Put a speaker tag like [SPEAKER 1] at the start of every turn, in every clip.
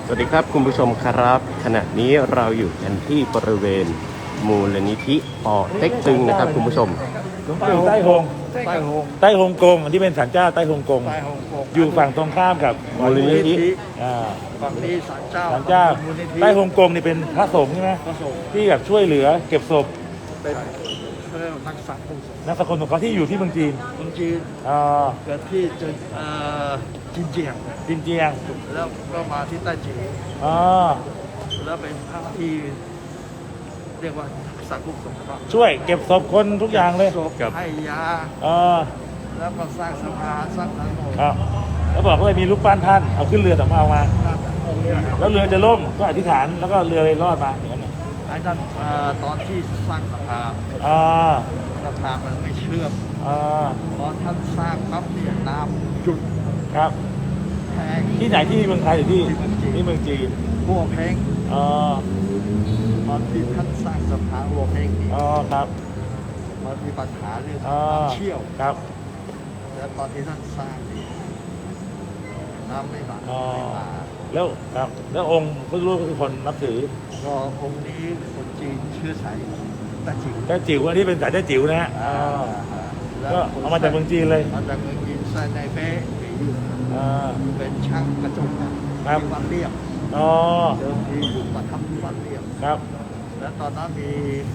[SPEAKER 1] สวัสดีครับคุณผู้ชมครับขณะนี้เราอยู่กันที่บริเวณมูลนิธิป่อเต็กตึงนะครับคุณผู้ชม
[SPEAKER 2] หลวงปู่ใต้ฮงใต้ฮงกงอันที่เป็นศาลเจ้าใต้ฮงกงอยู่ฝั่งตรงข้ามกับมูลนิธิ
[SPEAKER 3] ฝั่งนี้ศาลเจ้า
[SPEAKER 2] ศาลเจ้าใต้ฮงกงนี่เป็นพระสงฆ์ใช่ไหมที่แบบช่วยเหลือเก็บศพ
[SPEAKER 3] เป็นนักสังคม
[SPEAKER 2] นักสกุลของเขาที่อยู่ที่เมืองจีน
[SPEAKER 3] คนจีนเกิดที่จินเจียงแล้วก็มาที่ใต้จีนแล้วเป็นพระที่เรียกว่าสังคมสงเคราะห์
[SPEAKER 2] ช่วยเก็บศพคนทุกอย่างเลย
[SPEAKER 3] ให้ยาแล้วก็สร้างสะพานสร้างถนน
[SPEAKER 2] แล้วบอกว่ามีรูปปั้นท่านเอาขึ้นเรือแต่มาเอามาแล้วเรือจะล่มก็อธิษฐานแล้วก็เรือเลยรอดมาอย่างนั้น
[SPEAKER 3] ไอ้นั่นตอนที่สร้างสะพานมันไม่เชื่อมพอท่านสร้างปั๊บเนี่ยน้ำหยุด
[SPEAKER 2] ครับที่ไหนที่เมืองไทยหรือที่เมืองจีน
[SPEAKER 3] หัวเพ้งตอนที่ท่านสร้างสะพานหัวเพ้งนี่
[SPEAKER 2] ครับ
[SPEAKER 3] มันมีปัญหาเรื่องเชี่ยว
[SPEAKER 2] ครับ
[SPEAKER 3] แล้วตอนที่ท่านสร้างนี่น้ำไม่มา
[SPEAKER 2] แล้วครับแล้วองค์พระรูปก็คือคนนับถือ
[SPEAKER 3] ก็องค์นี้คนจีนเชื้อสาย
[SPEAKER 2] แต่จิ๋วอันนี้เป็นสายแต่จิ๋วนะฮะก็เอามาจากเมืองจีนเลย
[SPEAKER 3] มาจากเมืองจีนใส่ในเป๊ะเป็นช่างกระจกที่วัดเรียบเดิมทีอยู่ประทับที่วัดเรียบ
[SPEAKER 2] ครับ
[SPEAKER 3] แล้วตอนนั้นมี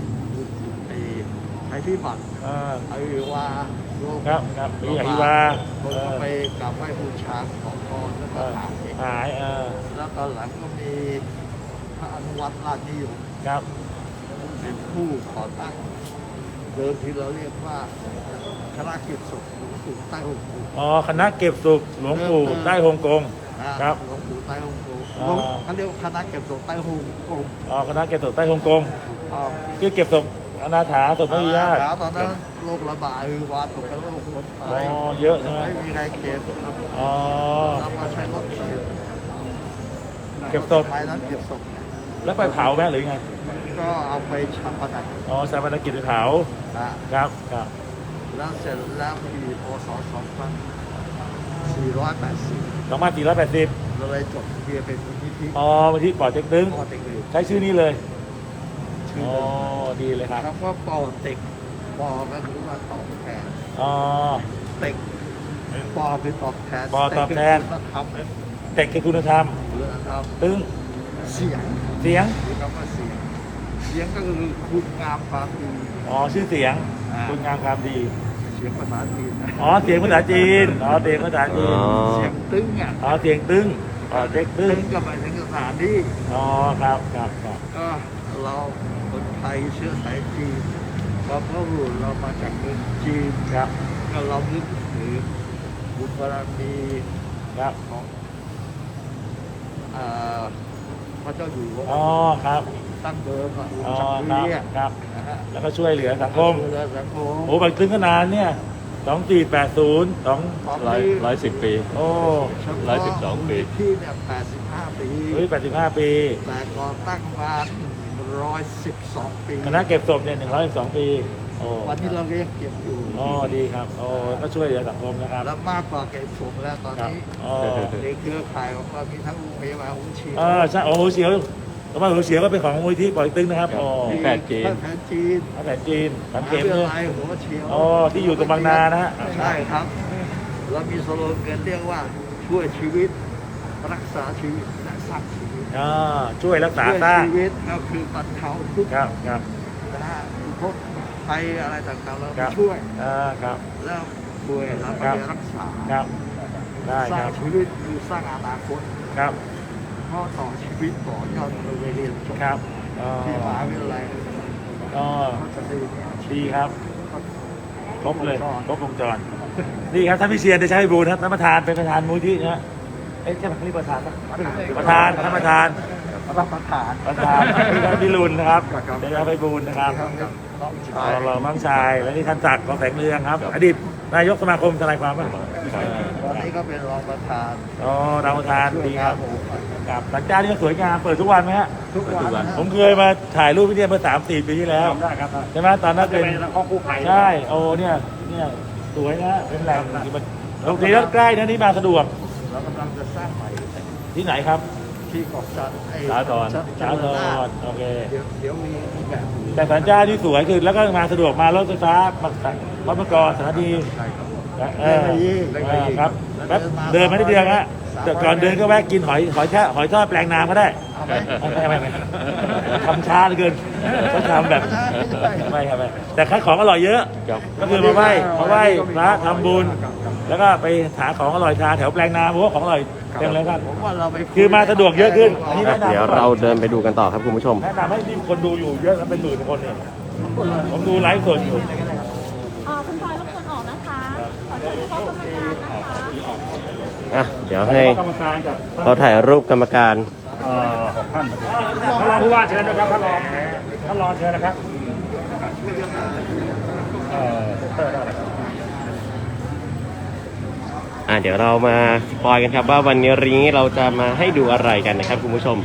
[SPEAKER 3] ไทยพิบัติไอวา
[SPEAKER 2] ครับมีไอวา
[SPEAKER 3] คนก็ไปกราบไหว้บูชาของพรแล้วก็หายแล้วตอนหลังก็มีพระอนุวัตรราชนิยมเป็นผู้ก่อตั้งเดิมที่เราเรียกว่าคณะเก็บศพหลวงปู่ใต้ฮงกง
[SPEAKER 2] คณะเก็บศพหลวงปู่ใต้ฮงกงครับ
[SPEAKER 3] หลวงปู่ใต้ฮงกงเขาเรียกว่าคณะเก็บศพใต้ฮงกง
[SPEAKER 2] คณะเก็บศพใต้ฮงกงคือเก็บศพอนาถาศพไม่มีญาติ
[SPEAKER 3] ตอนนั้นโรคระบาดวาตกเป็นโรคคนตาย
[SPEAKER 2] เยอะใช่ไหม
[SPEAKER 3] ไม่มีใครเก็บเรามาใช้รถ
[SPEAKER 2] เก็บศพ
[SPEAKER 3] ไปนั้นเก็บศพ
[SPEAKER 2] แล้วไปเผาไหมหรือไง
[SPEAKER 3] ก็เอาไปชาปนกิจ
[SPEAKER 2] ชาปนกิจไปเผาครับ
[SPEAKER 3] แล้วเสร็จแล้วปีพศ2480
[SPEAKER 2] เรา
[SPEAKER 3] เลยจดทะเบียนเป็นมูลนิธิ
[SPEAKER 2] มูลนิธิป่อเต็กตึงใช้ชื่อนี้เลยดีเลยครับ
[SPEAKER 3] แล้วก็ป่อเต็กป่อก็คือว่าตอบแทนเต็กป่อคือตอบแทน
[SPEAKER 2] เต็กคือคุณธรรมตึง
[SPEAKER 3] เสียงคือคำว่าเสียงก็คือคุณงามความดี
[SPEAKER 2] ชื่อเสียงคุณงามความดี
[SPEAKER 3] เสียงภาษาจีน
[SPEAKER 2] เสียงภาษาจีนเสียงภาษาจีน
[SPEAKER 3] เสียงตึ้ง
[SPEAKER 2] เสียงตึ้งเด็กตึ้ง
[SPEAKER 3] ก็หมายถึงสถานที่
[SPEAKER 2] ครับ
[SPEAKER 3] ก็เราคนไทยเชื้อสายจีนเพราะพ่อรุ่นเรามาจากเมืองจีน
[SPEAKER 2] ครับ
[SPEAKER 3] ก็เรานึกถึงบุญบารมีของพระเจ้าอยู่หัว
[SPEAKER 2] ครับ
[SPEAKER 3] ตั้งเดิม
[SPEAKER 2] ครับแล้วก็ช่วยเหลือสังคมบางตึ้งก็นานเนี่ย2480
[SPEAKER 1] 110 ปี112 ปี
[SPEAKER 3] ที่เนี่ย85 ปี
[SPEAKER 2] 85 ปี
[SPEAKER 3] แต่ก่อตั้งมา112 ปี
[SPEAKER 2] คณะเก็บศพเนี่ย112 ปี
[SPEAKER 3] วันนี้เราเรียกเก็บอยู่
[SPEAKER 2] ดีครับก็ช่วยเหลือสังคมนะครับ
[SPEAKER 3] แล้วมากกว่าเก็บศพแล้วตอนนี้ในเครือข่ายของเรามีทั้งโรงพยาบาลหัวเฉียว
[SPEAKER 2] ใช่หัวเฉียวแล้วมาหัวเฉียวก็เป็นของมูลที่ป่อเต็กตึงนะครับ
[SPEAKER 1] แพทย์จีน
[SPEAKER 2] สังเกตเลย
[SPEAKER 3] หัวเฉียว
[SPEAKER 2] ที่อยู่ตรงบางนานะฮะ
[SPEAKER 3] ใช่ครับเรามีสโลแกนเรียกว่าช่วยชีวิตรักษาชีวิตและสร้างชีวิต
[SPEAKER 2] ช่วยรักษาสร้าง
[SPEAKER 3] ชีวิตก็คือบรรเทาทุกข์
[SPEAKER 2] ครับ
[SPEAKER 3] ทุกข์ภัยอะไรต่างๆเราช่วยแล้วป่วยเราไปรักษาสร้างชีวิตคือสร้างอนาคตเพราะต่อชีวิตต่อยอดเราไปเรียนจบที่มหาวิทยาลัย
[SPEAKER 2] ดีครับครบเลยครบวงจรนี่ครับท่านพิเชียรได้ใช้บูรณ์ครับท่านประธานเป็นประธานมูลที่นะใช่ไหมนี่ประธานท่านประธานพิรุณนะครับได้รับไปบูรณ์นะครับเรามั่งชายและนี่ท่านศักดิ์กองแสงเรืองครับอดีตนายกสมาคมทนายความป่ะ
[SPEAKER 3] ตอนนี้ก็เป็นรองประธาน
[SPEAKER 2] รองประธานดีครับกับหลังจากนี้ก็สวยงามเปิดทุกวันไหมฮะ
[SPEAKER 3] ทุกวัน
[SPEAKER 2] ผมเคยมาถ่ายรูปที่นี่เมื่อ3-4 ปีที่แล้วใช่ไหมตอนนั้นเป็นใช่เนี่ยสวยนะเป็นแหล่งโรงเรียนใกล้นะนี่มาสะดวก
[SPEAKER 3] เรากำลังจะสร้างใหม่
[SPEAKER 2] ที่ไหนครับ
[SPEAKER 3] ทที่เกาะจันทร์ไอ้
[SPEAKER 2] สาธรโอเค
[SPEAKER 3] เดี๋ยวมีแบบ
[SPEAKER 2] แต่สัญญาที่สวยคือแล้วก็มาสะดวกมารถไฟฟ้าพระมกรสถานี
[SPEAKER 3] ใช่ครับ
[SPEAKER 2] ครับแป๊บเดินมาได้เดียวฮะแต่ก่อนเดินก็แวะกินหอยทอดแปลงนาก็ได้
[SPEAKER 3] เอาไหม
[SPEAKER 2] ไม่ทำช้าเหลือเกินต้องทำแบบไม่ครับไม่แต่คัดของอร่อยเยอะก็คือมาไหว้พระทำบุญแล้วก็ไปหาของอร่อยทานแถวแปลงนาเพราะว่าของอร่อยเต็มเลยครับ
[SPEAKER 3] ผมว่าเราไป
[SPEAKER 2] คือมาสะดวกเยอะขึ้นอันนี้แนะนำ
[SPEAKER 1] เดี๋ยวเราเดินไปดูกันต่อครับคุณผู้ชม
[SPEAKER 2] แนะนำให้ที่คนดูอยู่เยอะนะเป็นหมื่นคนเนี่ยผมดูไลฟ์สดอยู่
[SPEAKER 4] คุณพลอยรบกวนออกนะคะ ขอเชิญเข้ากรรมการนะคะ
[SPEAKER 1] อ่ะ เดี๋ยวให้
[SPEAKER 2] กรรมการกับ
[SPEAKER 1] เราถ่ายรูปกรรมการ
[SPEAKER 2] ท่านรองผู้ว่าเชิญนะครับท่านรองเชิญนะครับ
[SPEAKER 1] เดี๋ยวเรามาสปอยกันครับว่าวันนี้เราจะมาให้ดูอะไรกันนะครับคุณผู้ชม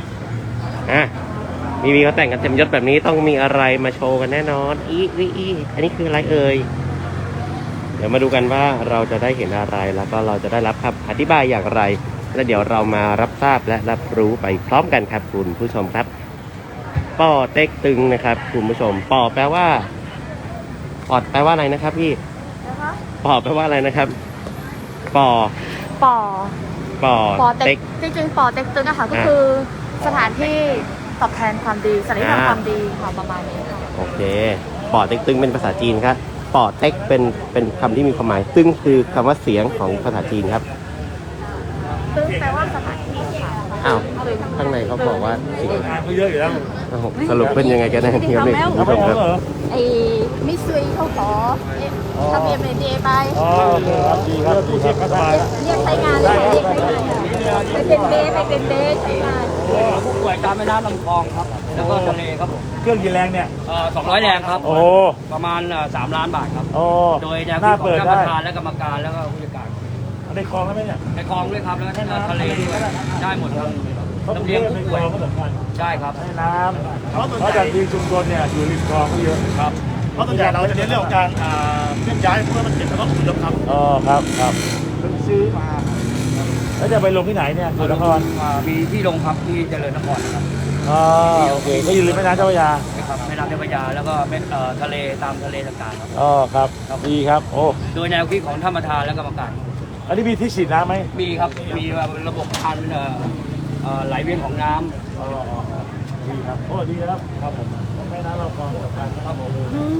[SPEAKER 1] มีเขาแต่งกันเต็มยศแบบนี้ต้องมีอะไรมาโชว์กันแน่นอนอันนี้คืออะไรเอ่ยเดี๋ยวมาดูกันว่าเราจะได้เห็นอะไรแล้วก็เราจะได้รับคำอธิบายอย่างไรและเดี๋ยวเรามารับทราบและรับรู้ไปพร้อมกันครับคุณผู้ชมครับป่อเต็กตึงนะครับคุณผู้ชมป่อแปลว่าปอดแปลว่าอะไรนะครับพี่
[SPEAKER 4] นะคะ
[SPEAKER 1] ป่อแปลว่าอะไรนะครับป่อ
[SPEAKER 4] ปอ
[SPEAKER 1] ป่อ
[SPEAKER 4] ปอเต็
[SPEAKER 1] เต็
[SPEAKER 4] ก
[SPEAKER 1] ก
[SPEAKER 4] จริงๆปอเต็กตึงนะคะก็คือสถานที่ตอบแทนความดีสัญลักษณ์ความดีค่ะประมาณนี้ค่ะ
[SPEAKER 1] โอเคป่อเต็กตึงเป็นภาษาจีนครับป่อเต็กเป็นคำที่มีความหมายตึงคือคำว่าเสียงของภาษาจีนครับ
[SPEAKER 4] ตึงแปลว่าสถานที่ค่ะ
[SPEAKER 1] อ้าวข้างในเขาบอกว่าเสียง
[SPEAKER 2] งานก็เยอะอยู่แล้ว
[SPEAKER 1] อ้าวสรุปเป็นยังไงกันแน่ครับเนี่ยคุณผู้ชมครับ
[SPEAKER 4] ไอ้มิสซุยเขาขอทำเอ็มเอเดไป
[SPEAKER 2] อ๋อโอเคครับดีครับผู้เชี่ยวชาญสบาย
[SPEAKER 4] เรียกใช้งานเลยเรียกใช้งานไปเป็นเบใช้งาน
[SPEAKER 5] ผู้ป่วยตามแม่น้ำลำคลองครับ แล้วก็ทะเลครับผม
[SPEAKER 2] เครื่องกี่แรงเนี่ย
[SPEAKER 5] 200 แรงครับ
[SPEAKER 2] โอ้
[SPEAKER 5] ประมาณ3 ล้านบาทครับ
[SPEAKER 2] โอ้
[SPEAKER 5] โดยแนว
[SPEAKER 2] หน้า
[SPEAKER 5] คิดของ
[SPEAKER 2] เปิด
[SPEAKER 5] ท่านป
[SPEAKER 2] ได้
[SPEAKER 5] ระธานและกรรมการแล้วก็ผู้จัดการ
[SPEAKER 2] ในคลองแล้วไหมเนี่ย
[SPEAKER 5] ในคลองด้วยครับ แล้วก็ทะเลด้วยได้หมดครับ
[SPEAKER 2] เขา
[SPEAKER 5] ลำ
[SPEAKER 2] เลี้
[SPEAKER 5] เลี้
[SPEAKER 2] ย
[SPEAKER 5] ย
[SPEAKER 2] ง
[SPEAKER 5] ง
[SPEAKER 2] ใน
[SPEAKER 5] ผู้
[SPEAKER 2] คล
[SPEAKER 5] ป่วย
[SPEAKER 2] องก็สำคัญ
[SPEAKER 5] ใช่ครับ
[SPEAKER 2] ให้น้ำเพราะจากที่ชุมชนเนี่ยอยู่ริมคลองก็เยอะครับ
[SPEAKER 6] เพราะส่วนใหญ่เราจะเน้นเรื่องของการเคลื่อนย้ายเพื่อมันเก็บแล้วก็อพยพครับ
[SPEAKER 2] อ๋อครับครับ
[SPEAKER 3] เพิ่งซื้อมา
[SPEAKER 2] แล้วจะไปลงที่ไหนเนี่ยสุนทร
[SPEAKER 5] มีที่ลงครับที่เจริญนครนะครับ
[SPEAKER 2] อ๋อโอเคก็อยู่ริมแม่น้ำเจ้าพระยา
[SPEAKER 5] นะครับแม่น้ำเจ้าพระยาแล้วก็ทะเลตามทะเลต่างๆครับ
[SPEAKER 2] อ๋อครับดีครับโอ้
[SPEAKER 5] โดยแนวคิดของท่านประธานและกรรมการ
[SPEAKER 2] อันนี้มีที่ฉีดน้ำไหม
[SPEAKER 5] มีครับมีระบบพันไหลเวียนของน้ำ
[SPEAKER 2] อ๋อดีครับโอ้ดีครับครับผมแม่น้ำเราคลองสำคัญครับผม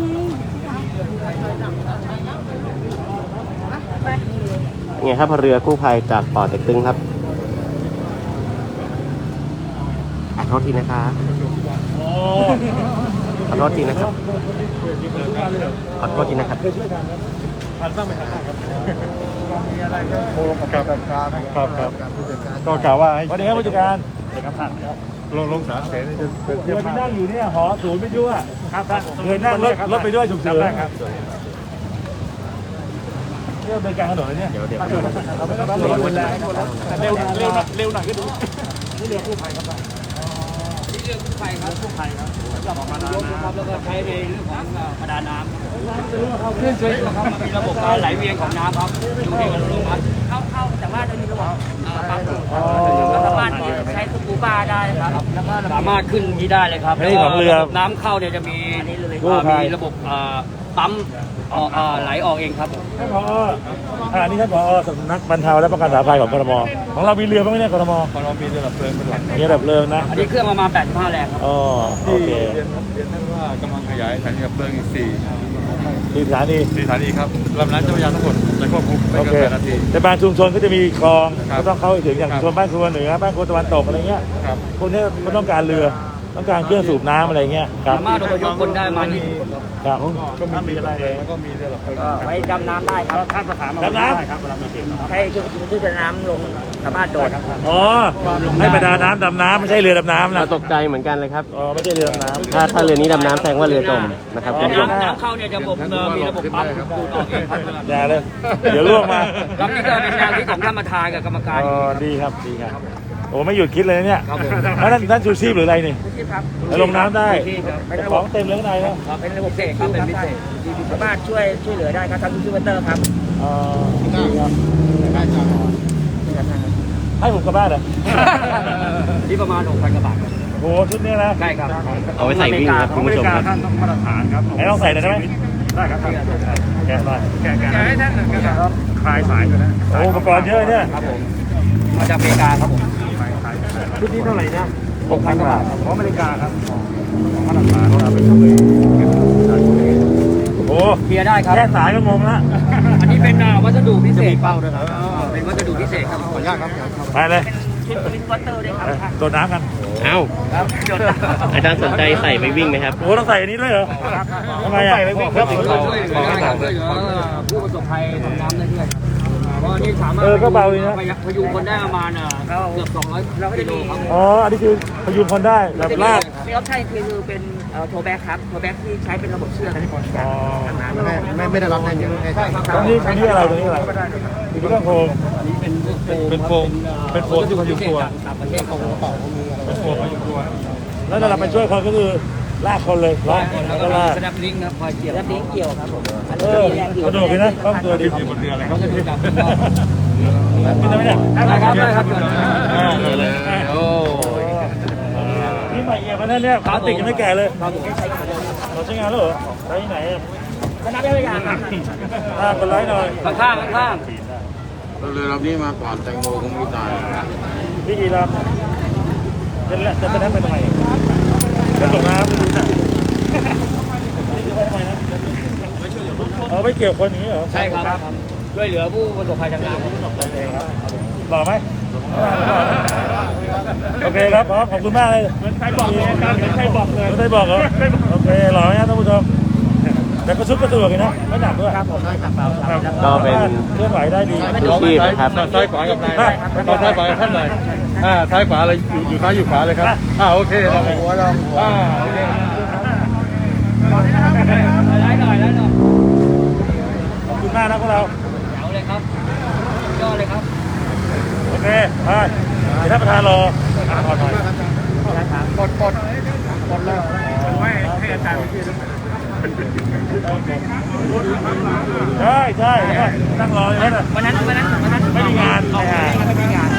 [SPEAKER 1] ไงครับเรือกู้ภัยจากป่อเต็กตึงครับขอโทษทีนะครับขอโทษทีนะครับขอโทษทีนะครับ
[SPEAKER 2] เคยช่วยกันครับผ่านบ้างไหมครับ
[SPEAKER 3] มีอะไรก็โทรกับผู้จัดการ
[SPEAKER 2] ครับ
[SPEAKER 3] ผู้จัดการ
[SPEAKER 6] ก็กล่าวว่าให้
[SPEAKER 2] สวัสดีครับผู้จัดการเด็กครับท่านครับ
[SPEAKER 6] ลงสามเสนจะเป็น
[SPEAKER 2] เค
[SPEAKER 6] เทียบ
[SPEAKER 2] ยไป
[SPEAKER 6] ภาพ
[SPEAKER 2] นั่งอยู่เนี่ยหอศูนย์ไปด้วยครับเคยนั่งรถไปด้วยฉุกเฉินครับเรื่องเป็นการถนนเลยเนี่ยเดี๋ยวเราไม่ต้องเร็วหน่อยก็ดูนี่เรือกู้ภัยครับ
[SPEAKER 5] ที่เรื่องกู้ภัยครับกู้ภัยครับออกมาน้ำครับแล้วก็ใช้ในเรื่องของประดาน้ำเครื่องช่วยครับมันมีระบบการไหลเวียนของน้ำครับอยู่ในอัตโนมัติเข้าแต่ว่าจะมีระบบปั๊มสามารถใช้สกูบาได้ครับแล้วก็สามารถขึ้นที่ได้เลยครับ
[SPEAKER 2] นี่ของเรือ
[SPEAKER 5] ระบบน้ำเข้าเนี่ยจะมี
[SPEAKER 2] กู้ภัย
[SPEAKER 5] มีระบบปั๊มไหลออกเองครับ
[SPEAKER 2] ท่านผอนี่ท่านผอสำนักบรรเทาและป้องกันสาธารณภัยของกทมของเรามีเรือบ้างไหมเนี่ยกทม
[SPEAKER 6] พอเรามีระดับเพลิงเป็นหลัก
[SPEAKER 2] มีระดับเรือนะ
[SPEAKER 5] อันนี้เครื่องประมาณ85 แรงครับ
[SPEAKER 2] อ๋อโอ
[SPEAKER 6] ที่
[SPEAKER 2] เค
[SPEAKER 6] เรียนท่านว่ากำลังขยายสถานีดับเพลิงอีก4
[SPEAKER 2] ที่สถานี
[SPEAKER 6] สถานีครับลำน้ำเจ้าพระยาทั้งหมดจะควบคุมไม่
[SPEAKER 2] โอ
[SPEAKER 6] เกิ
[SPEAKER 2] เคน
[SPEAKER 6] 8 นาที
[SPEAKER 2] แต่บางชุมชนก็จะมีคลอง
[SPEAKER 6] ครับ
[SPEAKER 2] ก็ต้องเข้าไปถึงอย่าง
[SPEAKER 6] ครับ
[SPEAKER 2] ชุมชนบ้านครัวเหนือบ้านครัวตะวันตกอะไรเงี้ย
[SPEAKER 6] ครับ
[SPEAKER 2] พวกนี้มันต้องการเรือต้องการเครื่องสูบน้ำอะไรเงี้ยครับ
[SPEAKER 5] สามารถอพยพคนได้มา20 คน
[SPEAKER 2] ครับ
[SPEAKER 6] ก็มีอะไรแล้วก็มีเรือดับเพลิง
[SPEAKER 5] ไว้ดำน้ำได้ครับ
[SPEAKER 2] ดำน้
[SPEAKER 5] ให้ชุดน้ำลงสามารถโดด
[SPEAKER 2] ำอ๋อให้ประดาน้ำดำน้ำไม่ใช่เรือดำน้ำ
[SPEAKER 1] เรา
[SPEAKER 2] นะ
[SPEAKER 1] ตกใจเหมือนกันเลยครับ
[SPEAKER 2] อ๋อไม่ใช่เรือดำน้ำ
[SPEAKER 1] ถ้าเรือนี้ดำน้ำแสดงว่าเรือจมนะครับคุณผู้ชม
[SPEAKER 5] น้ำเข้าเนี่ยจะมีระบบปั๊มดูดออกเองครับ
[SPEAKER 2] อย่าเลยเดี๋ยวล่วงมา
[SPEAKER 5] ครับนี่ก็เป็นแนวคิดของท่านประธานกับกรรมการ
[SPEAKER 2] อ๋อดีครับดีครับโอ้ไม่หยุดคิดเลยนะเนี่ย
[SPEAKER 5] ครับผม
[SPEAKER 2] แล้วนั่นชูชีพหรืออะไรนี่
[SPEAKER 5] ที่ครับ
[SPEAKER 2] แล้วลงน้ำได้
[SPEAKER 5] ที่ครับ
[SPEAKER 2] แต่ของเต็มเลยข้างในนะ
[SPEAKER 5] เป็นระบบเสกครับเป็นพิเศษสามารถช่วยเหลือได้ครับทำยูทูบเบอร์ครับ
[SPEAKER 2] อ๋อดีครับ
[SPEAKER 3] ได้จ้า
[SPEAKER 2] ให้ผมกลับบ้านเหรอ
[SPEAKER 5] ที่ประมาณ 6,000 กว่าบาทครับ
[SPEAKER 2] โอ้โหชุดนี้นะ
[SPEAKER 5] ใช่ครับ
[SPEAKER 1] เอาไปใส่วิ่งครับคุณผู้ชมครับ
[SPEAKER 6] ท่านต้องมาตรฐานครับ
[SPEAKER 2] ไหนลองใส่หน่อยได้ไหม
[SPEAKER 6] ได้ครับแกะหน่อย
[SPEAKER 2] แกะ
[SPEAKER 6] แกะให้ท่านหน่อยครับคลายสายกันนะ
[SPEAKER 2] โอ้อุปกรณ์เยอะเนี่ย
[SPEAKER 5] ครับผมมาจากอเมริกาครับผม
[SPEAKER 2] ชุดนี้เท่าไหร่นะ
[SPEAKER 5] 6,000 กว่าบาทครับ
[SPEAKER 6] ของอเมริกาครับของมาตรฐานเราเป็นตัวเอง
[SPEAKER 2] โอ้
[SPEAKER 5] เคลียร์ได้ครับ
[SPEAKER 2] แค่สายก็งงละ
[SPEAKER 5] อันนี้เป็นวัสดุพิเศษเป้าด้วยครับเป็นวัสดุพิเศษครับ
[SPEAKER 6] ขออนุญาตครับ
[SPEAKER 2] ไปเลย
[SPEAKER 5] ชุดสวิตช์วอเตอร์ด้วยครับ
[SPEAKER 2] โดดน้ำกัน
[SPEAKER 1] เอ้า
[SPEAKER 5] ครับจด
[SPEAKER 1] อาจารย์สนใจใส่ไปวิ่งไหมครับ
[SPEAKER 2] โอ้ต้องใส่อันนี้ด้วยเหรอทำไมอ่ะ
[SPEAKER 5] ครับช่วยเหลือได้ครับช่วยเหลือผู้ประสบภัยทางน้ำได้ด้วยเพราะนี่สามารถพยุงคนได้ประมาณเกือบ200 กิโลครับ
[SPEAKER 2] อ๋ออันนี้คือพยุงคนได้แบบลาก
[SPEAKER 5] มีออปชั่นคือเป็นโทแบ็กครับโทแบ็กที่ใช้เป็นระบบเชือก
[SPEAKER 2] อ๋อ
[SPEAKER 6] ไม่ได้รับแน่ยัง
[SPEAKER 5] ใช่ครับ
[SPEAKER 2] ตรงนี้อะไรตรงนี้อะไรมีเครื่องโครง
[SPEAKER 5] อันนี้เป็นโฟม
[SPEAKER 2] เป็นโฟมที่พยุงตัว
[SPEAKER 5] ต่างประเทศเขา
[SPEAKER 2] เป็นโฟมพยุงตัวแล้วเราไปช่วยคนก็คือลากคนเลยล็อก
[SPEAKER 5] แล้
[SPEAKER 2] แล้ว ว
[SPEAKER 5] ก็
[SPEAKER 2] ก็ลาก
[SPEAKER 5] สแนปลิงก์ครับคอยเกี่ยวสแนปลิงก์เกี่ยวครับผม
[SPEAKER 2] เออสนุกเลยนะต้องตัวดีอยู่บนเรืออะไรครับกินได้ไหมเนี่ย
[SPEAKER 5] ได้ครับได้ครับ
[SPEAKER 1] โอ้
[SPEAKER 2] นี่ใหม่เอี่ยมนะเนี่ยพลาสติกยังไม่แก่เลย
[SPEAKER 5] เราถึงได้ใช้งานเลย
[SPEAKER 2] เราใช้งานแล้วเหรอใช้ที่ไหนอ่ะ
[SPEAKER 5] สแนปได้ไหมครับ
[SPEAKER 2] กดไลค์หน่อย
[SPEAKER 5] ข้างข้าง
[SPEAKER 7] เรือลำนี้มาก่อนแตงโมคงไม่ตาย
[SPEAKER 2] พี่กีรับจะไปนั่งไปทำไมจะตกน้ำเอาไม่เกี่ยวคนอย่างนี้เหรอ
[SPEAKER 5] ใช่ครับช่วยเหลือผู้ประสบภัยทางน้ำ
[SPEAKER 2] หล่อไหมโอเคครับพร้อมขอบคุณมากเลยเหมือนใครบอกเลยใครบอกเลยไม่ได้บอกเหรอโอเคหล่อไหมครับท่านผู้ชมแต่ก็ชุดก็สะดวกเลยนะไม่หนักด้วยครับผม
[SPEAKER 1] ก็เป็น
[SPEAKER 2] เคลื่อนไหวได้ดี
[SPEAKER 1] ชูชีพนะครับ
[SPEAKER 6] ซ้ายขวากับนายตอนซ้ายขวากับท่านหน่อยซ้ายขวาเลยอยู่ซ้ายอยู่ขวาเลยครับโอเคหัวเราโอเค
[SPEAKER 5] ได้หน่อยได้หน่อย
[SPEAKER 2] ขอบคุณมากนะพวกเรา
[SPEAKER 5] เดี๋ยวเลยครับยอดเลยครับ
[SPEAKER 2] โอเคไปเดี๋ยวท่านประธานรอขอหน่อย
[SPEAKER 6] กดแล้วให้อาจารย์
[SPEAKER 2] ใช่ใช่นั่งรออย่างนั้น
[SPEAKER 5] วันนั้น
[SPEAKER 2] ไม่มีงาน
[SPEAKER 5] ไม่มีงาน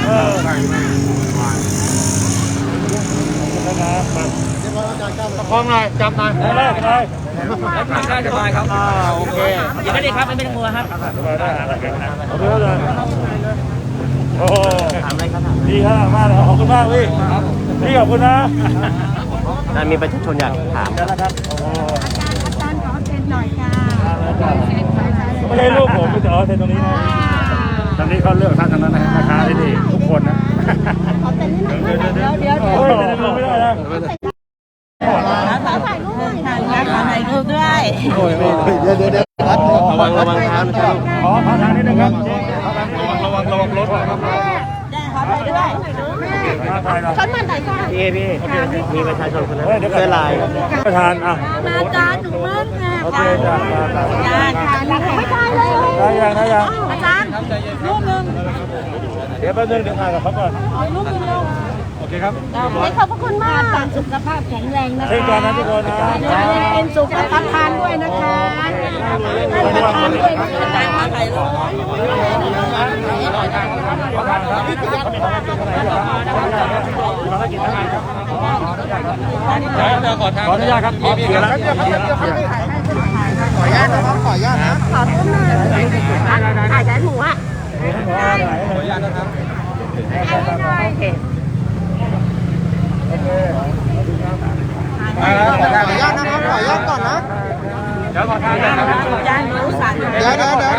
[SPEAKER 2] ประคองหน่อยจับหน่อยได้ได้
[SPEAKER 5] แล้วทางได้สบายครับโอเคยินดีครับไม่ต้องกลัวครับ
[SPEAKER 2] สบายได้เอาไปเลยโอ้โหดีครับมากเลยขอบคุณมากพี่พี่ขอบคุณนะ
[SPEAKER 1] อาจารย์มีประชาชนอยากถาม
[SPEAKER 2] แล้วนะครับโอ้โห
[SPEAKER 4] อาจารย์ขอเซ็นหน่อยค่ะ
[SPEAKER 2] ไม่ใช่รูปผมจะเอาเซ็นตรงนี้นะ
[SPEAKER 6] ตอนนี้เขาเลือกท่านทั้งนั้นนะแม่ค้าที่นี่ทุกคนนะ
[SPEAKER 4] ขอเซ็นนิดหน่อยเดี๋ยว
[SPEAKER 2] เฮ้ยเซ็นรูปไม่ได้นะ
[SPEAKER 4] ขอถ่ายรูปหน่อยค่ะขอถ่ายรูปด้วย
[SPEAKER 6] เดี๋ยว
[SPEAKER 1] ระวังเท้านะครับ
[SPEAKER 2] ขอทางนี้นะครับ
[SPEAKER 6] ระวังรถครับ
[SPEAKER 4] ขอถ่ายด้วย
[SPEAKER 2] ถ่ายหน่อย
[SPEAKER 4] ฉันมาไหนค่ะ
[SPEAKER 1] พี่มีประชาชนคนนั้น
[SPEAKER 2] เฮ้ยเดี๋ยว
[SPEAKER 1] เสื้อลาย
[SPEAKER 2] ประธานอ่ะ
[SPEAKER 4] อาจารย์หนูมั่งค่ะ
[SPEAKER 2] โอเคจ้า
[SPEAKER 4] อาจารย์ไม่ได้เลย
[SPEAKER 2] ได้ยังได้ยัง
[SPEAKER 4] อาจารย์รูปหนึ่ง
[SPEAKER 2] เดี๋ยวแป๊บนึงเดี๋ยวถ่ายกับเขาก่อน
[SPEAKER 4] รูปหนึ่งลง
[SPEAKER 2] โอเคครับ
[SPEAKER 4] ขอบพระคุณมากสุขภาพแข็งแรงนะคะ
[SPEAKER 2] เช่นกันนะทุกคนนะ
[SPEAKER 4] เป็นสุขภาพทานด้วยนะคะทานด้วยอาจารย์มาถ่ายรูป
[SPEAKER 2] ขออนุญาตครับพี่แล้ว
[SPEAKER 6] ขออนุญาตนะครับขออนุญาตนะ
[SPEAKER 4] ขอรูปหน่อยถ่ายได้หมูอ่ะ
[SPEAKER 2] ขออนุญาตนะครับ
[SPEAKER 4] ถ่ายได้หน่อย
[SPEAKER 6] ขออนุญาตนะครับขออนุญาตก่อนนะ
[SPEAKER 2] เดี๋ยวขอทานนะครับ
[SPEAKER 4] อาจารย์รู้สั่ง
[SPEAKER 6] เดี๋ยว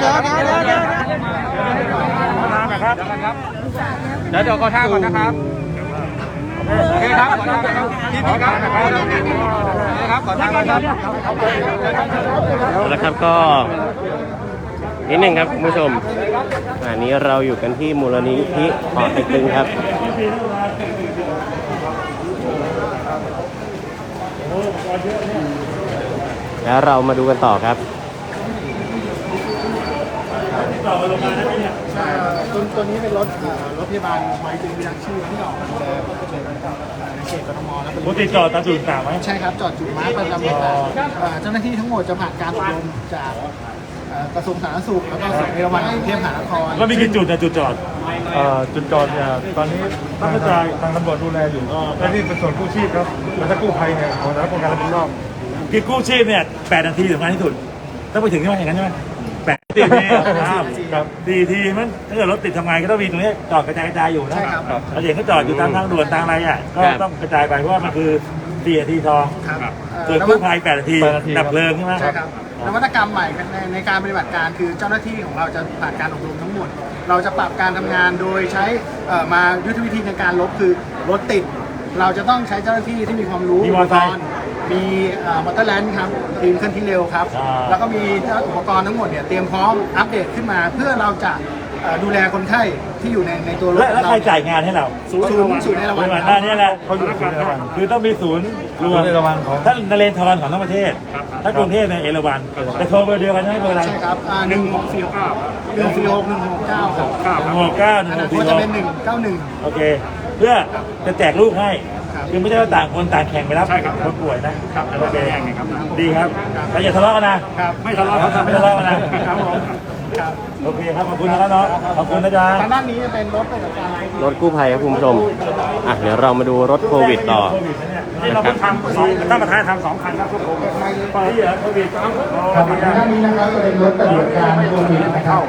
[SPEAKER 2] นะครับ
[SPEAKER 6] เดี๋ยวขอท่าก่อนนะครับโอเคครับขอท่าครับพี่ครับครับขอท่าครับ
[SPEAKER 1] แล้วครับก็นิดหนึ่งครับคุณผู้ชมอันนี้เราอยู่กันที่มูลนิธิหอเต็กตึงครับ แล้วเรามาดูกันต่อครับ
[SPEAKER 6] ตัวนี้เป็นรถพยาบาลไว้จึงมีรักชื่อที่ออกมาดูแลในเขตกทมและ
[SPEAKER 2] ปกติจอดตามจุดต่างไหม
[SPEAKER 6] ใช่ครับจอดจุดมาร์คประจำเจ้าหน้าที่ทั้งหมดจะผ่านการอบรมจาก
[SPEAKER 8] กระทรวงสาธารณสุขแล้วก็สวนเอราวัณกรุงเทพมหานคร
[SPEAKER 2] แล้วมีกี่จุดนะจุดจอด
[SPEAKER 6] จุดจอดเนี่ยตอนนี้ตั้งกระจายทางตำรวจดูแลอยู่และนี่เป็นส่วนกู้ชีพครับแล้วถ้ากู้ภัยเนี่ยของสำนักงานรับผิดชอบ
[SPEAKER 2] คือกู้ชีพเนี่ย8 นาทีสำคัญที่สุดต้องไปถึงที่ว่าอย่างนั้นใช่ไหม8 นาทีครับ4 ทีมันถ้าเกิดรถติดทำไงก็ต้องมีตรงนี้จอดกระจายอยู่นะเราเห็นก็จอดอยู่ตามทางด่วนทางอะไรอ่ะก็ต้องกระจายไปเพราะว่ามันคือ4 นาทีทอง
[SPEAKER 8] ครับ
[SPEAKER 2] ส่วนกู้ภัย8 นาทีดับเพลิงใช่ไหม
[SPEAKER 8] ใช่ครับนวัตกรรมใหม่ในการปฏิบัติการคือเจ้าหน้าที่ของเราจะผ่านการอบรมทั้งหมด เราจะปรับการทำงานโดยใช้มายุทธวิธีในการลบคือรถติด เราจะต้องใช้เจ้าหน้าที่ที่มีความรู้
[SPEAKER 2] มีมอเตอร์ไซค์
[SPEAKER 8] มีมอเตอร์แลนด์ครับทีมเคลื่อนที่เร็วครับ แล้วก็มีอุปกรณ์ทั้งหมดเนี่ยเตรียมพร้อมอัปเดตขึ้นมา เพื่อเราจะดูแลคนไข้ที่อยู่ในตัวรถ
[SPEAKER 2] แล้วใครจ่ายงานให้เรา
[SPEAKER 8] ศูนย์ในระหว่าง
[SPEAKER 2] หน้านี้แหละ
[SPEAKER 6] เขาอยู่ศูนย์เอราวัณ
[SPEAKER 2] คือต้องมีศูนย์รวม
[SPEAKER 6] ศูนย์เอราวัณของ
[SPEAKER 2] ถ้านเรนทรของทั้งประเทศ ถ้ากรุงเทพในยเอราวัณแต่โทรเบอร์เดียวกันใช่ไหมเบอร์อะไร
[SPEAKER 8] ใช่ครับ1649 ครับ146
[SPEAKER 2] 169
[SPEAKER 8] อันนั้นก็จะเป็น191
[SPEAKER 2] โอเค เพื่อจะแจกลูกให้
[SPEAKER 8] ครับ
[SPEAKER 2] คือไม่ใช่ว่าต่างคนต่างแข่งไปรับคนป่วยนะครับ โอเคดีครับแล้วอย่าทะเลาะกันนะครับ
[SPEAKER 8] ไม่ทะเลาะครับ
[SPEAKER 2] ไม่ทะเลาะกันนะครับ
[SPEAKER 8] ผมครับ
[SPEAKER 2] โอเคครับขอบคุณนะครับน้องขอบคุณนะจ๊ะ
[SPEAKER 8] ทางด้านนี้จะเป็นรถปฏิบัติการ
[SPEAKER 1] รถกู้ภัยครับคุณผู้ชมอ่ะเดี๋ยวเรามาดูรถโควิดต่อ
[SPEAKER 2] นี่เราเพิ่งทำท่านประธานทำ2 คันครับทุกคนไปเหรอโควิด
[SPEAKER 8] ครับทางด้านนี้นะครับจะเป็นรถปฏิบัติการโควิดนะครับ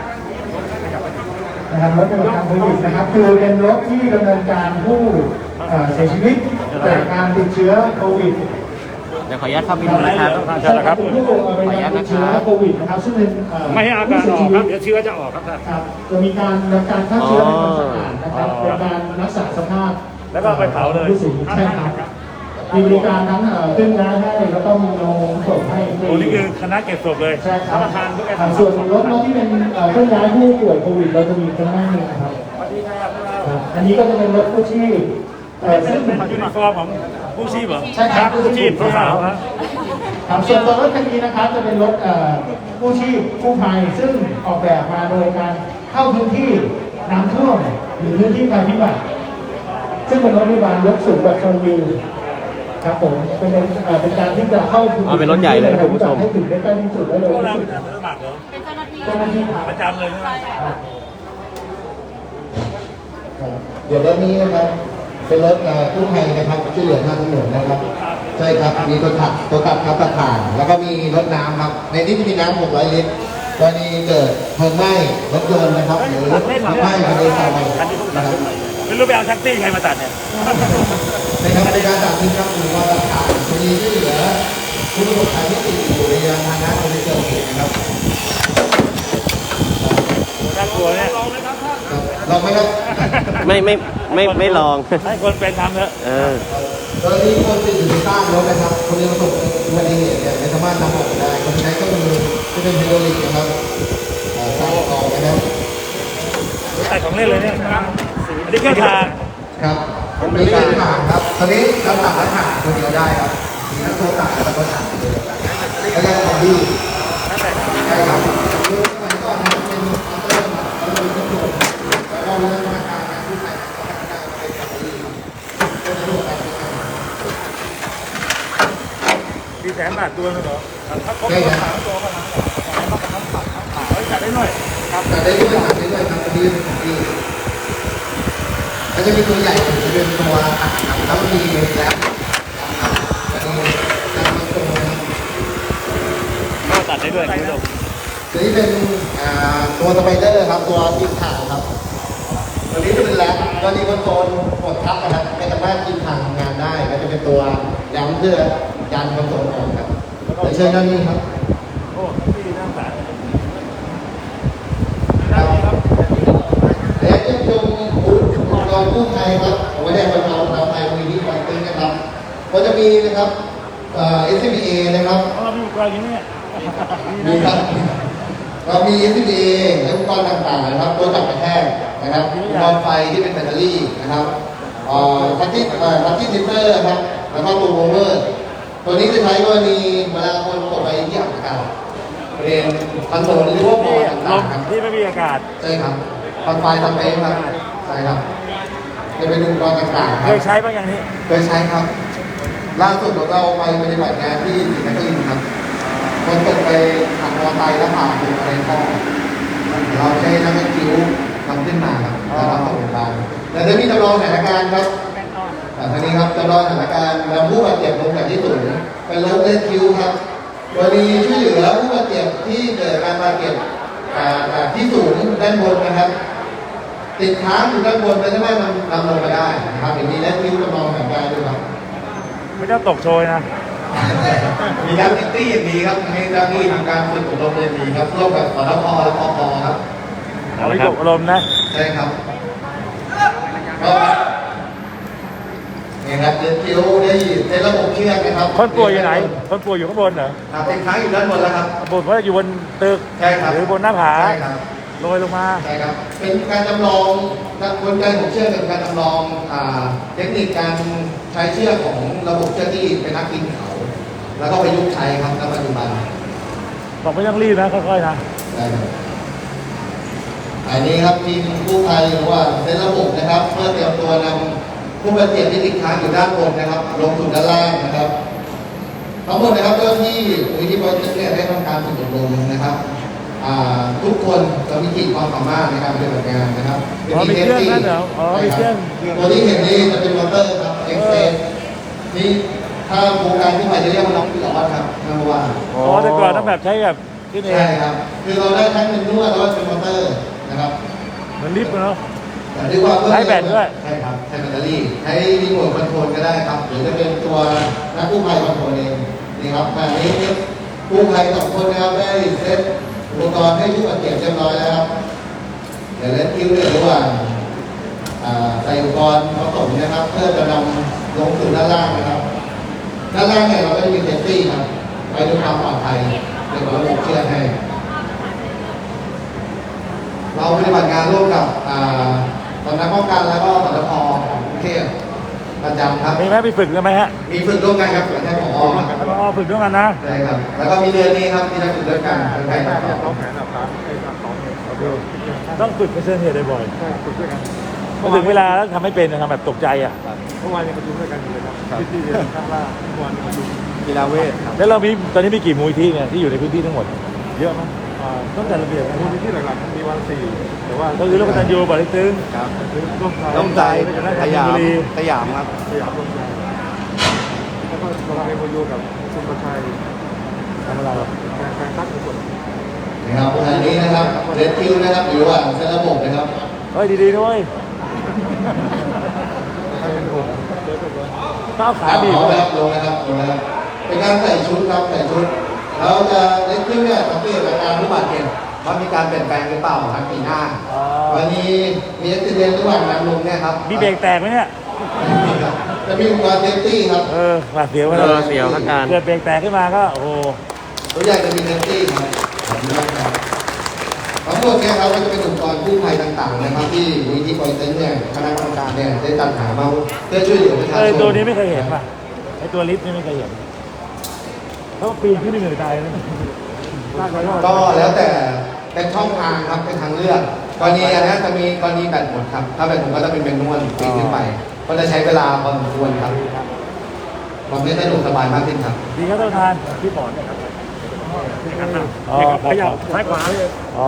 [SPEAKER 8] รถปฏิบัติการโควิดนะครับคือเป็นรถที่ดำเนินการผู้เสียชีวิตจากการติดเชื้อโควิด
[SPEAKER 1] เดี๋ยวขออนุญาตเข้าไปดูนะครับ
[SPEAKER 8] ใช่ครับเป็นผู้เป็นการติดเชื้อโควิดนะครับซึ่งเป็น
[SPEAKER 6] ไม่ให้อาการออกครับเดี๋ยวเชื้อจะออกครับท่าน
[SPEAKER 8] ครับจะมีการฆ่าเชื้อในความสะอาดนะครับเป็นการรักษาสภาพ
[SPEAKER 2] แล้วก็ไปเผาเลย
[SPEAKER 8] ผู้เสียชีวิตใช่ครับมีบริการทั้งเคลื่อนย้ายให้แล้วก็มีโรงศพให้
[SPEAKER 2] โอ้นี่คือคณะเก็บศพเลย
[SPEAKER 8] ใช่ครับส่วนรถที่เป็นเคลื่อนย้ายผู้ป่วยโควิดเราจะมีข้างหน้านี้นะครับครับอันนี้ก็จะเป็นรถกู้ชีพซึ่ง
[SPEAKER 2] เป็นยูนิฟอร์มของผู้ชีพเหรอ
[SPEAKER 8] ใช่ครับ
[SPEAKER 2] ผู้ชีพสาวๆครับ
[SPEAKER 8] ครับส่วนตัวรถคันนี้นะครับจะเป็นรถกู้ชีพกู้ภัยซึ่งออกแบบมาโดยการเข้าพื้นที่น้ำท่วมหรือพื้นที่ภัยพิบัติซึ่งเป็นรถพยาบาลยกสูงแบบชมวิวครับผมเป็นการที่จะเข้าพื้นที่
[SPEAKER 1] เป็นรถใหญ่เลยนะคุณผู้ชม
[SPEAKER 8] ให้ถึงได้ใกล้ที่สุดได้เลย
[SPEAKER 2] พวกเรา
[SPEAKER 8] ที่
[SPEAKER 2] เป็น
[SPEAKER 8] สุด
[SPEAKER 2] อาสาสมัครเหรอ
[SPEAKER 8] เจ้าหน้าที่ครับ
[SPEAKER 2] ประจำเลยใช่ไหม
[SPEAKER 3] เดี๋ยวรถนี้นะครับเป็นรถกู้ภัยนะครับช่วยเหลือทางถนนนะครับ ใช่ครับมีตัวขับครับตะข่ายแล้วก็มีรถน้ำครับในนี้จะมีน้ำ600 ลิตรกรณีเกิดเพลิงไหม้รถยนต์นะครับหรือไฟไหม้ภายในซอยนะครับ
[SPEAKER 2] ไม่รู้ไปเอาแท็กซี่ใครมาตัดเนี่ย
[SPEAKER 3] ในการบริการจากนี้ครับมีว่าตะข่ายกรณีช่วยเหลือผู้ประสบภัยที่ติดอยู่ในยานพาหนะในเกิดเหตุนะครับ
[SPEAKER 2] น่ากลัวเนี่ย
[SPEAKER 3] ลองไหมครับ
[SPEAKER 1] ไม่ลอง
[SPEAKER 2] ให้คนเป็นทำเถอะ
[SPEAKER 3] กรณีคนติดอยู่ในใต้รถนะครับคนที่ประสบอุบัติเหตุเนี่ยไม่สามารถนำออกได้คนใช้ก็มือที่เป็นไฮดรอลิกนะครับใส่ออกนะครับ
[SPEAKER 2] ใส่ของเล่นเลยเนี่ยอันนี้เครื่องทาง
[SPEAKER 3] ครับมีการถางครับตอนนี้เราตัดและถางตัวเดียวได้ครับมีทั้งตัวตัดและตัวถางเลยแล้วก็ของดีใช่ครับคือสมัยก่อนนะเป็นเราเป็นตำรวจเราเริ่มมาการผู้ใส่เป็นของดีเป็นตำรวจ
[SPEAKER 2] มี100,000 บาทตัวนึงเหรอถ้าครบ
[SPEAKER 3] ใช่ครับ
[SPEAKER 2] 3 ตัวก็ล้านจัดได้หน่อยครับ
[SPEAKER 3] ตัดได้ด้วยตัดได้ด้วยครับตัวนี้เป็นของดีแล้วจะมีตัวใหญ่จะเป็นตัวตัดครับแล้วมีแล็บครับแล้วก็ตัดตัวนะครับ
[SPEAKER 2] ก็ตัดได้ด้วยคุณผู้ชม
[SPEAKER 3] ตัวนี้เป็นตัวสไปเดอร์ครับตัวกินถ่างครับตัวนี้จะเป็นแรมตัวนี้คอนโซลกดทับนะครับไม่สามารถกินถ่างทำงานได้ก็จะเป็นตัวแรมเพื่อยันคอนโซลออกครับเดี๋ยวเชิญด้านนี้ครับ
[SPEAKER 2] โอ้ที่น่าสงสาร
[SPEAKER 3] ครับและจะชมอุปกรณ์กู้ภัยครับผมไม่ได้บรรเทาทำไทยมีที่คอยตึงนะครับก็จะมีนะครับSCBA นะครับ
[SPEAKER 2] เรามีอุปกรณ์อย่างนี้เนี่ย
[SPEAKER 3] มีครับเรามี SCBA และอุปกรณ์ต่างๆนะครับตัวจับกระแทกนะครับอุปกรณ์ไฟที่เป็นแบตเตอรี่นะครับทัชที่ทิปเปอร์ครับแล้วก็ตัวโวเวอร์ตัวนี้จะใช้กรณีเวลาคนตกไปที่อับอากาศบริเวณคอนโซลหรือว่าบอร์ด
[SPEAKER 2] ล
[SPEAKER 3] ต่าง
[SPEAKER 2] ม
[SPEAKER 3] ๆครับ
[SPEAKER 2] ที่ไม่มีอากาศ
[SPEAKER 3] ใช่ครับคอนไฟทำเองครับใช่ครับจะเป็นอุปกรณ์ต่างๆค
[SPEAKER 2] เครับ ยใช้บ้างอย่างนี้
[SPEAKER 3] เคยใช้ครับล่าสุดเราไปปฏิบัติงานที่ศรีนครินทร์ครับ ต
[SPEAKER 8] คนตกไปขับมอเตอร์ไซค์แล้วผ่านเป็นอะไรก็เราใช้น้ำมันคิ้วทำขึ้นมาครับแล้วเราส่งโรงพยาบาลแต่จะมีจำลองสถานการณ์ครับทีนี้ครับจำลองสถานการณ์นำผู้บาดเจ็บลงจากที่สูงไปลดเลนคิ้วครับกรณีช่วยเหลือผู้บาดเจ็บที่เกิดการบาดเจ็บที่สูงด้านบนนะครับติดค้างอยู่ด้านบนไม่ได้มันนำลงมาได้นะครับอย่างนี้เลนคิ้วจำลองสถานการณ์ด้วยครับ
[SPEAKER 2] ไม่ต้องตกโชยนะ
[SPEAKER 8] มีนักนิตี้อย่างดีครับให้เจ้าหน้าที่ทำการฝึกอบรมเรียนดีครับร่วมกับสทพและปปครับ
[SPEAKER 2] เอาไปตกอารมณ์นะ
[SPEAKER 8] ใช่ครับก็นี่ครับเดินคิ้วได้ในระบบเชือกนะครับ
[SPEAKER 2] คนป่วยอยู่ไหน คนป่วยอยู่ข้างบนเหรอ
[SPEAKER 8] ครับติดค้างอยู่ด้านบนแล้วครับ
[SPEAKER 2] บนว่าอยู่บนตึก
[SPEAKER 8] ใช่ครับ
[SPEAKER 2] หรือบนหน้าผา
[SPEAKER 8] ใช่ครับ
[SPEAKER 2] ลอยลงมา
[SPEAKER 8] ใช่ครับเป็นการจำลองกลไกของเชือกเป็นการจำลองเทคนิคการใช้เชือกของระบบเชือกที่เป็นนักปีนเขาแล้วก็ประยุกต์ใช้ครับณปัจจุบัน
[SPEAKER 2] บอกไม่ต้องรีบนะค่อยๆนะ
[SPEAKER 8] ได้ครับอันนี้ครับทีมกู้ภัยหรือว่าเซตระบบนะครับเพื่อเตรียมตัวนำผู้บาดเจ็บที่ติดค้างอยู่ด้านบนนะครับลงสู่ด้านล่างนะครับทั้งหมดนะครับเจ้าที่มูลที่บริษัทเนี่ยได้ทำการฝึกอบรมนะครับทุกคนจะมีขีดความสามารถในการปฏิบัติงานนะครับ
[SPEAKER 2] อ๋อมีเครื่องนั่นเหรออ๋อมีเครื่อง
[SPEAKER 8] ตัวที่เห็นนี่จะเป็นมอเตอร์ครับเอ็กเซนนี่ถ้าโครงการกู้ภัยจะเรียกว่าน้องพี่หลอดครับนัมว่า
[SPEAKER 2] อ๋อแต่ก่อนต้องแบบใช้แบบที่นี่
[SPEAKER 8] ใช่ครับ คือเราได้ทั้งเป็นนวดแล้วก็เป็นมอเตอร์นะครับ
[SPEAKER 2] เหมือนลิฟต์เนาะ
[SPEAKER 8] แต่เรียกว่า
[SPEAKER 2] ใช้แบตด้วย
[SPEAKER 8] ใช่ครับ ใช้แบตเตอรี่ ใช้รีโมทคอนโทรลก็ได้ครับ หรือจะเป็นตัวนักกู้ภัยคอนโทรลเอง นี่ครับอันนี้กู้ภัย2 คนนะครับได้เซตอุปกรณ์ให้ผู้บาดเจ็บเรียบร้อยแล้วครับ เดี๋ยวเล่นคิวเรื่องระหว่างใส่อุปกรณ์ผสมนะครับ เพื่อจะนำลงสู่ด้านล่างนะครับ ด้านล่างเนี่ยเราก็จะมีเซฟตี้ครับไปดูความปลอดภัยในระบบเชือกให้ เราปฏิบัติงานร่วมกับสำนักป้องกันแล้วก็สทพของกรุงเทพประจำครับ
[SPEAKER 2] มีไหมมีฝึกกันไหมฮะ
[SPEAKER 8] มีฝึกร่วมกันครับกับท่านผอครับ
[SPEAKER 2] อ๋อฝึกด้วยกันนะ
[SPEAKER 8] ใช่ครับ แล้วก็มีเดือนนี้ครับที่ได้ฝึกด้วยกันเป็นใครต่อ
[SPEAKER 2] ต้องฝึกเป็นเส้นเหตุบ่อยพอถึงเวลาแล้วทำไม่เป็นทำแบบตกใจอ่ะ
[SPEAKER 6] เมื่อวานยังประชุมด้วยกันอยู่เลยครับที่เรียนข้างล่างเมื่อวานประชุม
[SPEAKER 7] กีฬาเวทครับ
[SPEAKER 2] แล้วเรามีตอนนี้มีกี่มูลที่เนี่ยที่อยู่ในพื้นที่ทั้งหมด เยอะมั้ยต้องจัดระเบียบนะ
[SPEAKER 6] มูลนิธิหลักๆมีวัน4แต่ว่า
[SPEAKER 2] ก็คือร่วมกันยูบริตึง
[SPEAKER 7] ครับ
[SPEAKER 6] ร่วมใจ
[SPEAKER 7] สยามสยามครับ
[SPEAKER 6] สยามร่วมใจแล้วก็เราทำMOUกับคุณประชัย
[SPEAKER 2] ทำอะไร
[SPEAKER 6] แฟนตั๊กทุกคน
[SPEAKER 8] นะครับอันนี้นะครับเรดคิวนะครับหรือว่าเซตระบบนะครับ
[SPEAKER 2] เฮ้ยดีๆด้วย
[SPEAKER 6] ให้เป็นผม
[SPEAKER 2] ก้าวขา
[SPEAKER 8] ขา
[SPEAKER 2] บี
[SPEAKER 8] บี
[SPEAKER 2] บบ
[SPEAKER 8] นะครับลงนะครับลงนะครับเป็นการใส่ชุดครับใส่ชุดเราจะเรดคิวเนี่ยสังเกตอาการผู้บาดเจ็บว่ามีการเปลี่ยนแปลงหรือเปล่าทางปีหน้า วันนี้มีอุบิเหตุระหว่างนำลงเนี่ยครับ
[SPEAKER 2] มีเบรกแตกไหมเนี่ย
[SPEAKER 8] จะมีอุปกรณ์เซฟตี้ครับ
[SPEAKER 2] หวาดเสียว
[SPEAKER 1] เสียวอาการ
[SPEAKER 2] เกิดเบรกแตกขึ้นมาก็โอ้โห
[SPEAKER 8] ตัวอย่างจะมีเซฟตี้ครับทั้งหมดเนี่ยครับก็จะเป็นอุปกรณ์กู้ภัยต่างๆนะครับที่มูลนิธิปอยเต็นเนี่ยคณะกรรมการเนี่ยได้จัดหามาเพื่อช่วยเหลือประชาชน
[SPEAKER 2] ตัวนี้ไม่เคยเห็นป่ะไอตัวลิฟต์นี่ไม่เคยเห็นเขาปีนขึ้นเหนื่อยตายเลย
[SPEAKER 8] ก็แล้วแต่เป็นช่องทางครับเป็นทางเลือกกรณีอันนี้จะมีกรณีแบตหมดครับถ้าแบตหมดก็จะเป็นนวลปีนขึ้นไปก็จะใช้เวลาพอสมควรครับทำให้สะดวกสบายมากขึ้นครับ
[SPEAKER 2] ดีครับท่านประธานพี่ปอนอ๋อขยับซ้ายขวาเลยอ๋อ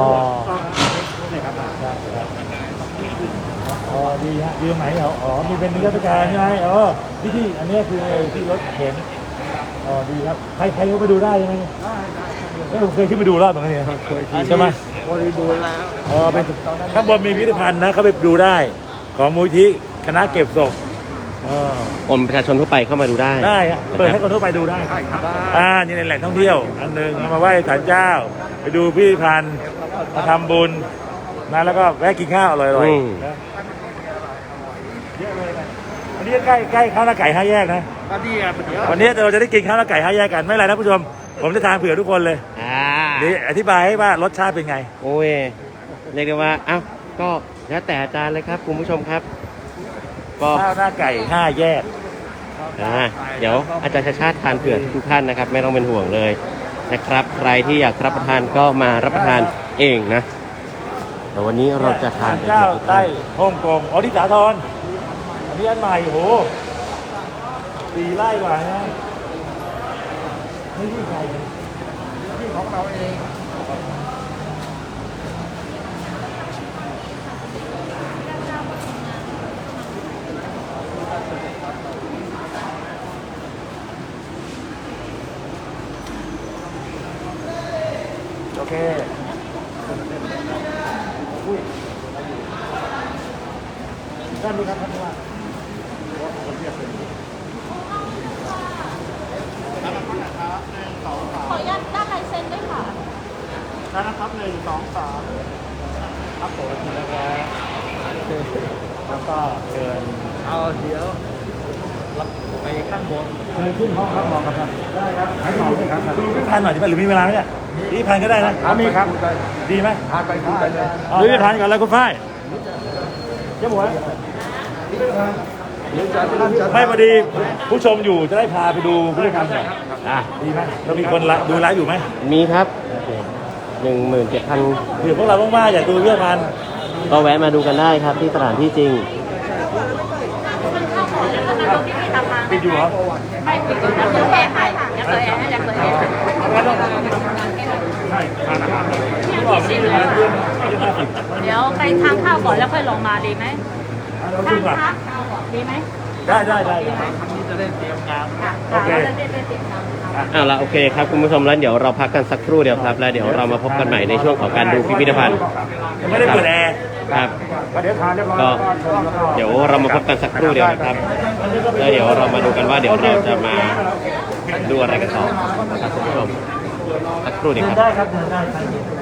[SPEAKER 2] อ๋อดีฮะดีตรงไหนเหรออ๋อมีเป็นนิรศการใช่ไหมอ๋อที่อันนี้คือที่รถเข็นอ๋อดีครับใครเขาไปดูได้ใช่ไหมผมเคยขึ้นไปดูรอบตรงนี้ใช่ไหม
[SPEAKER 6] บริบูรณ์แล้ว
[SPEAKER 2] อ๋อเป็นข้างบนมีพิพิธภัณฑ์นะเขาไปดูได้ของมูลที่คณะเก็บศพ
[SPEAKER 1] คนประชาชนทั่วไปเข้ามาดูได้
[SPEAKER 2] ได้ฮะเปิดให้คนทั่วไปดูได้นี่ในแหล่งท่องเที่ยวอันหนึ่งมาไหว้ศาลเจ้า ไปดูพิพิธภัณฑ์มาทำบุญนะแล้วก็แวะกินข้าวอร่อยๆนะเยอะเลยนะอันนี้ใกล้ข้าวหน้าไก่5 แยกนะวันนี้เราจะได้กินข้าวหน้าไก่5 แยกกันไม่เป็นไรนะผู้ชมผมจะทานเผื่อทุกคนเลยนี่อธิบายให้ว่ารสชาติเป็นไง
[SPEAKER 1] โอ้ยเรียกได้ว่าอ้าวก็แล้วแต่อาจารย์เลยครับคุณผู้ชมครับก็
[SPEAKER 2] ข้าวหน้าไก่5 แยก
[SPEAKER 1] เดี๋ยวอาจารย์ชาติชาติทานเผื่อทุกท่านนะครับไม่ต้องเป็นห่วงเลยนะครับใครที่อยากรับประทานก็มารับประทานเองนะแต่วันนี้เราจะทาน
[SPEAKER 2] เจ้าใต้ฮ่องกงอ๋อที่สาทรอันนี้อันใหม่โห4 ไร่กว่านะไม่ใช่ใคร
[SPEAKER 3] ของเราเอง
[SPEAKER 2] โอเคท่านดูครับท่านว่า
[SPEAKER 4] ขออนุญาตด้านลายเซ็นด้วยค่ะ
[SPEAKER 2] นะครับ1 2 3ครับผมนะครับแล้วก็เชิญ
[SPEAKER 3] เอาเดี๋ยวไปข้างบน
[SPEAKER 2] เชิญขึ้นห้องครับหมอครับได้ครับให้หมอครับดูพิพันธ์หน่อยดีไหมหรือมีเวลาไหมเนี่ยพิพันธ์ก็ได้นะมีครับดีไหม
[SPEAKER 3] พาไปคุยกันเลย
[SPEAKER 2] ดูพิพันธ์ก่อนเลยคุณฝ้ายเจ้าหมวย
[SPEAKER 3] หรือจะท่านจะ
[SPEAKER 2] ไม่พอดีผู้ชมอยู่จะได้พาไปดูพิพิธภัณฑ์หน่อยดีไหมเรามีคนดูไลฟ์อยู่ไหม
[SPEAKER 1] มีครับ 17,000
[SPEAKER 2] เดี๋ยวพวกเราว่างๆอยากดูพิพิธภัณฑ์
[SPEAKER 1] ก็แวะมาดูกันได้ครับที่สถานที่จริง
[SPEAKER 2] ปิดอยู่เหรอ
[SPEAKER 4] ไม่ปิดก็ยังเปิดแอร์ให้ค่ะยังเปิดแอร์ให้ยังเปิดแอร์ให้
[SPEAKER 2] ใช่ทานอาหารก่อนไม่ได้มาเรื่อง50
[SPEAKER 4] เดี๋ยวไปทานข้าวก่อนแล้วค่อยลงมาดีไหม
[SPEAKER 2] เรา
[SPEAKER 4] ทา
[SPEAKER 2] ดู
[SPEAKER 4] น
[SPEAKER 2] ก่อน
[SPEAKER 4] ข้าวดีไหม
[SPEAKER 2] ได้
[SPEAKER 3] จะได้เตรียมงาน
[SPEAKER 4] ค่ะ
[SPEAKER 2] โอเค
[SPEAKER 4] เราจะได้ไปเตรียมงานค่ะ
[SPEAKER 1] เอาละโอเคครับคุณผู้ชมแล้วเดี๋ยวเราพักกันสักครู่เดียวครับ แล้วเดี๋ยวเรามาพบกันใหม่ในช่วงของการดูพิพิธภัณฑ์
[SPEAKER 2] ยังไม่ได้เปิดแอร์
[SPEAKER 1] ครับ
[SPEAKER 2] เดี๋ยวทานเรียบร้อย
[SPEAKER 1] ก็
[SPEAKER 2] แล้วก็
[SPEAKER 1] เดี๋ยวเรามาพบกันสักครู่เดียวนะครับ แล้วเดี๋ยวเรามาดูกันว่าเดี๋ยวเราจะมาดูอะไรกันต่อนะครับคุณผู้ชมสักครู่เดียวครับ
[SPEAKER 2] ได้ครับได้